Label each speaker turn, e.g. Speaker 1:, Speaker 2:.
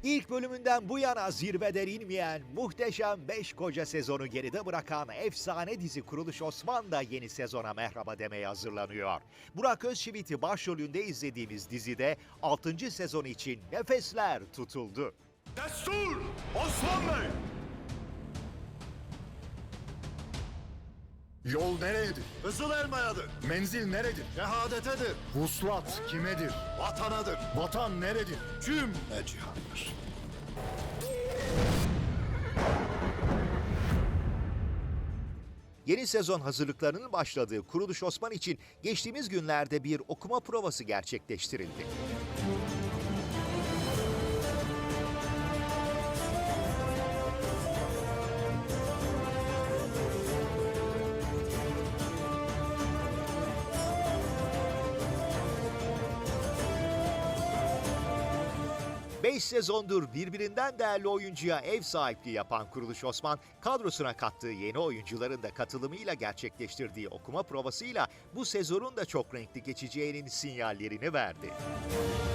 Speaker 1: İlk bölümünden bu yana zirveden inmeyen muhteşem 5 koca sezonu geride bırakan efsane dizi Kuruluş Osman da yeni sezona merhaba demeye hazırlanıyor. Burak Özçivit'i başrolünde izlediğimiz dizide 6. sezon için nefesler tutuldu.
Speaker 2: Destur! Osman Bey!
Speaker 3: Yol nereyedir?
Speaker 2: Kızıl Elma'yadır,
Speaker 3: Menzil neredir?
Speaker 2: şehadetedir,
Speaker 3: Vuslat kimedir?
Speaker 2: vatanadır,
Speaker 3: Vatan neredir?
Speaker 2: cümle cihandır.
Speaker 1: Yeni sezon hazırlıklarının başladığı Kuruluş Osman için geçtiğimiz günlerde bir okuma provası gerçekleştirildi. Beş sezondur birbirinden değerli oyuncuya ev sahipliği yapan Kuruluş Osman, kadrosuna kattığı yeni oyuncuların da katılımıyla gerçekleştirdiği okuma provasıyla bu sezonun da çok renkli geçeceğinin sinyallerini verdi.